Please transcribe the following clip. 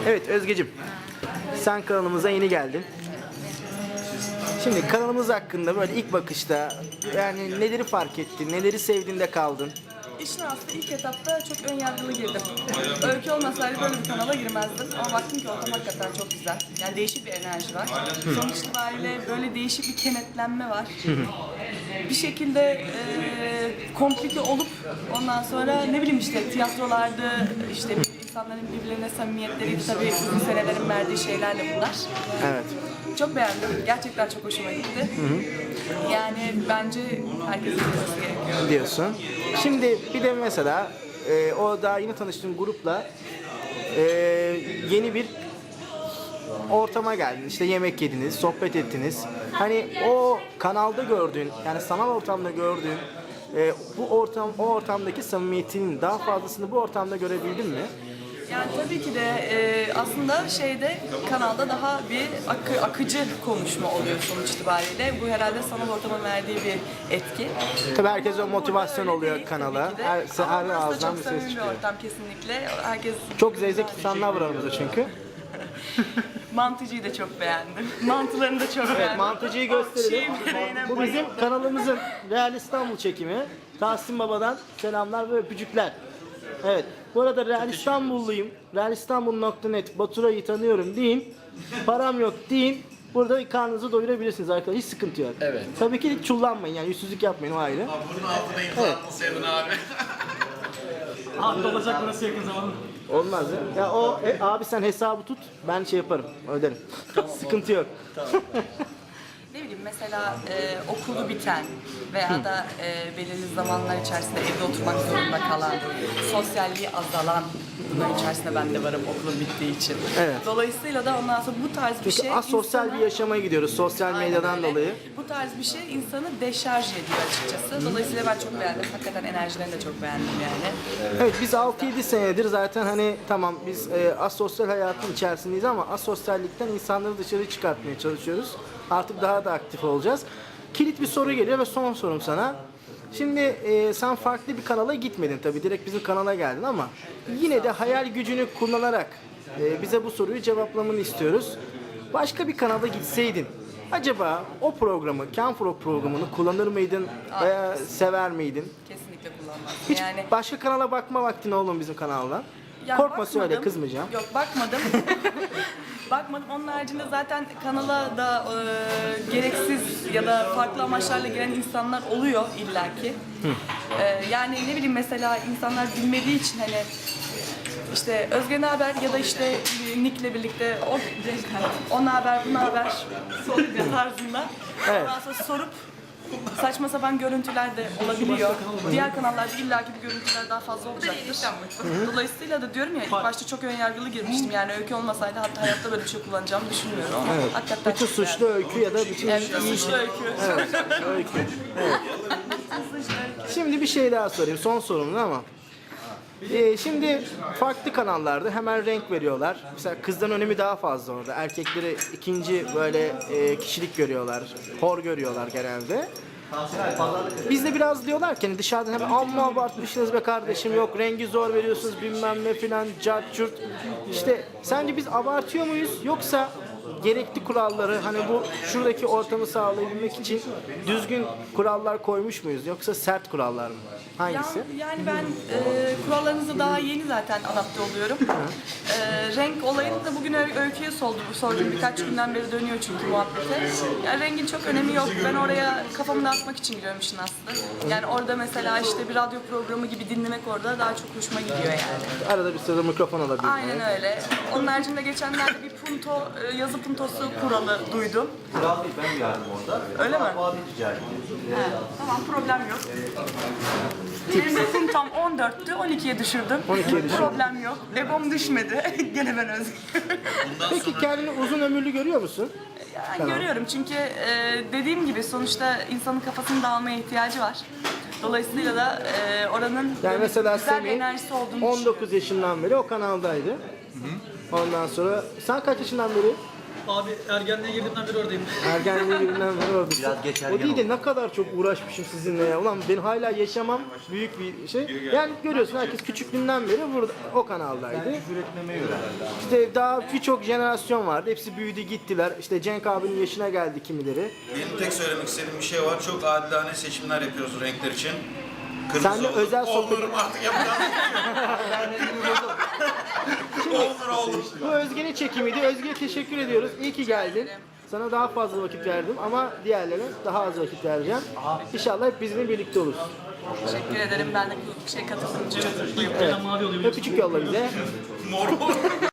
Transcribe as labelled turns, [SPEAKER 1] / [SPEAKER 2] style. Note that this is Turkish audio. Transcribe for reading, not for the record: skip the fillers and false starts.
[SPEAKER 1] Evet Özgeciğim, sen kanalımıza yeni geldin. Şimdi kanalımız hakkında böyle ilk bakışta yani neleri fark ettin, neleri sevdin de kaldın?
[SPEAKER 2] İşin aslında ilk etapta çok önyargılı girdim. Öykü olmasaydı böyle bir kanala girmezdim. Ama baktım ki ortam hakikaten çok güzel. Yani değişik bir enerji var. Sonuç itibariyle böyle değişik bir kenetlenme var. Bir şekilde komplike olup ondan sonra ne bileyim işte tiyatrolarda işte insanların birbirlerine samimiyetleri tabii uzun senelerin verdiği şeylerle bunlar.
[SPEAKER 1] Evet.
[SPEAKER 2] Çok beğendim. Gerçekten çok hoşuma gitti. Yani bence herkesin bilmesi gerekiyor.
[SPEAKER 1] Diyorsun. Şimdi bir de mesela o daha yeni tanıştığın grupla yeni bir ortama geldin. İşte yemek yediniz, sohbet ettiniz. Hani o kanalda gördüğün, yani sanal ortamda gördüğün o ortamdaki samimiyetinin daha fazlasını bu ortamda görebildin mi?
[SPEAKER 2] Yani tabii ki de aslında kanalda daha bir akıcı konuşma oluyor sonuç itibariyle. Bu herhalde sanal ortamın verdiği bir etki.
[SPEAKER 1] Tabii herkes o motivasyon
[SPEAKER 2] Burada öyle
[SPEAKER 1] oluyor
[SPEAKER 2] değil
[SPEAKER 1] kanala.
[SPEAKER 2] tabii ki de.
[SPEAKER 1] Her
[SPEAKER 2] Ama burası da
[SPEAKER 1] ağızdan
[SPEAKER 2] çok
[SPEAKER 1] bir ses
[SPEAKER 2] samimi bir
[SPEAKER 1] çıkıyor.
[SPEAKER 2] ortam kesinlikle. Herkes
[SPEAKER 1] Çok zevzek insanlar var aramızda çünkü.
[SPEAKER 2] Mantıcıyı da çok beğendim. Mantılarını da çok
[SPEAKER 1] Evet,
[SPEAKER 2] beğendim.
[SPEAKER 1] mantıcıyı gösterelim.
[SPEAKER 2] Çiğ böreğine
[SPEAKER 1] Bu bizim kanalımızın Real İstanbul çekimi. Tahsin Baba'dan selamlar ve öpücükler. Evet, bu arada Real İstanbulluyum. Realistanbul.net Baturay'ı tanıyorum deyin. Param yok deyin. Burada karnınızı doyurabilirsiniz arkadaşlar. Hiç sıkıntı yok.
[SPEAKER 3] Evet.
[SPEAKER 1] Tabii ki çullanmayın yani yüzsüzlük yapmayın o ayrı.
[SPEAKER 3] Bunun altına imza atmasaydın abi.
[SPEAKER 4] Abi olacak burası yakın zamanda.
[SPEAKER 1] Olmaz ya. Ya o abi sen hesabı tut. Ben şey yaparım. Öderim. Sıkıntı yok.
[SPEAKER 2] Ne bileyim mesela okulu biten veya da belirli zamanlar içerisinde evde oturmak zorunda kalan, sosyalliği azalan bunun içerisinde ben de varım okulun bittiği için.
[SPEAKER 1] Evet.
[SPEAKER 2] Dolayısıyla da ondan sonra bu tarz bir
[SPEAKER 1] Çünkü
[SPEAKER 2] şey
[SPEAKER 1] asosyal
[SPEAKER 2] insana-
[SPEAKER 1] bir yaşama gidiyoruz sosyal
[SPEAKER 2] Aynen
[SPEAKER 1] medyadan
[SPEAKER 2] öyle.
[SPEAKER 1] dolayı.
[SPEAKER 2] Bu tarz bir şey insanı deşarj ediyor açıkçası. Dolayısıyla ben çok beğendim. Hakikaten enerjilerini de çok beğendim yani.
[SPEAKER 1] Evet biz 6-7 senedir zaten hani tamam biz asosyal hayatın içerisindeyiz ama asosyallikten insanları dışarı çıkartmaya çalışıyoruz. Artık daha da aktif olacağız. Kilit bir soru geliyor ve son sorum sana. Şimdi sen farklı bir kanala gitmedin tabii direkt bizim kanala geldin ama yine de hayal gücünü kullanarak bize bu soruyu cevaplamanı istiyoruz. Başka bir kanala gitseydin acaba o programı, Canfro programını kullanır mıydın veya sever miydin?
[SPEAKER 2] Kesinlikle kullanmazdım.
[SPEAKER 1] Hiç
[SPEAKER 2] Yani
[SPEAKER 1] başka kanala bakma vaktin oldu mu bizim kanaldan?
[SPEAKER 2] ya
[SPEAKER 1] Korkma söyle
[SPEAKER 2] bakmadım.
[SPEAKER 1] kızmayacağım.
[SPEAKER 2] Yok bakmadım. Bakmadım. Onun haricinde zaten kanala da gereksiz ya da farklı amaçlarla giren insanlar oluyor illaki. Yani ne bileyim mesela insanlar bilmediği için hani işte Özge ne haber ya da işte Nick'le birlikte o ne haber bu ne haber tarzında.
[SPEAKER 1] Evet.
[SPEAKER 2] Ondan sonra sorup saçma sapan görüntüler de olabiliyor. Diğer kanallarda illaki bir görüntüler daha fazla olacaktır. Dolayısıyla da diyorum ya ilk başta çok önyargılı girmiştim. Yani öykü olmasaydı hayatta böyle bir şey kullanacağımı düşünmüyorum ama hakikaten
[SPEAKER 1] Bütün
[SPEAKER 2] çok
[SPEAKER 1] suçlu öykü ya da bütün
[SPEAKER 2] beğendim. Evet, suçlu öykü.
[SPEAKER 1] öykü. Evet. Şimdi bir şey daha sorayım. Son sorum ama. Şimdi farklı kanallarda hemen renk veriyorlar. Mesela kızdan önemi daha fazla orada. Erkekleri ikinci böyle kişilik görüyorlar. Hor görüyorlar genelde. Bizde biraz diyorlar ki hani dışarıdan hemen amma abartmışsınız be kardeşim yok rengi zor veriyorsunuz bilmem ne filan cart curt. İşte sence biz abartıyor muyuz yoksa gerekli kuralları hani bu şuradaki ortamı sağlayabilmek için düzgün kurallar koymuş muyuz yoksa sert kurallar mı? Hangisi?
[SPEAKER 2] Yani ben kurallarınıza daha yeni zaten adapte oluyorum. Renk olayını da bugün öyküye sordum. Birkaç günden beri dönüyor çünkü muhabbete. Yani rengin çok önemi yok. Ben oraya kafamı dağıtmak için giriyorum işin aslı. Yani orada mesela işte bir radyo programı gibi dinlemek orada daha çok hoşuma gidiyor yani.
[SPEAKER 1] Arada bir sırada mikrofon alabilmek.
[SPEAKER 2] Aynen öyle. Onun haricinde geçenlerde bir punto, yazı puntosu kuralı duydum.
[SPEAKER 5] Kural değil, ben yardım orada.
[SPEAKER 2] Öyle mi?
[SPEAKER 5] Muhabbet ticareti.
[SPEAKER 2] Tamam problem yok. Benim de puntom 14'tü, 12'ye düşürdüm.
[SPEAKER 1] 12'ye düşürdün.
[SPEAKER 2] Problem yok. Egom düşmedi. Gene ben özgür.
[SPEAKER 1] Peki kendini uzun ömürlü görüyor musun?
[SPEAKER 2] Yani görüyorum çünkü dediğim gibi sonuçta insanın kafasının dağılmaya ihtiyacı var. Dolayısıyla da oranın
[SPEAKER 1] Yani
[SPEAKER 2] böyle
[SPEAKER 1] mesela
[SPEAKER 2] güzel bir
[SPEAKER 1] Semih
[SPEAKER 2] enerjisi olduğunu düşünüyorum.
[SPEAKER 1] 19 yaşından beri o kanaldaydı. Ondan sonra sen kaç yaşından beri?
[SPEAKER 4] Abi ergenliğe girdiğimden beri oradayım.
[SPEAKER 1] Ergenliğe birinden beri oradasın.
[SPEAKER 5] Biraz geç
[SPEAKER 1] O
[SPEAKER 5] ergen
[SPEAKER 1] değil de
[SPEAKER 5] oldum.
[SPEAKER 1] ne kadar çok uğraşmışım sizinle ya. Ulan ben hala yaşamam büyük bir şey. Yani görüyorsun herkes küçüklüğünden beri burada o kanaldaydı.
[SPEAKER 5] Küfür etmemeyi öğrendim.
[SPEAKER 1] İşte daha birçok jenerasyon vardı. Hepsi büyüdü gittiler. İşte Cenk abinin yaşına geldi kimileri.
[SPEAKER 3] Benim tek söylemek istediğim bir şey var. Çok adilane seçimler yapıyoruz renkler için.
[SPEAKER 1] Sen de özel sohbet-
[SPEAKER 3] Olurum artık yapacağım. Olur.
[SPEAKER 1] Bu Özge'nin çekimiydi. Özge'ye teşekkür ediyoruz. İyi ki geldin. Sana daha fazla vakit verdim ama diğerlerine daha az vakit vereceğim. İnşallah hep bizimle birlikte oluruz.
[SPEAKER 2] Teşekkür ederim. Ben de bu şey katıldığım için çok mutluyum.
[SPEAKER 1] Evet.
[SPEAKER 4] Mavi oluyor.
[SPEAKER 1] Öpücük yolla bize.
[SPEAKER 3] Mor.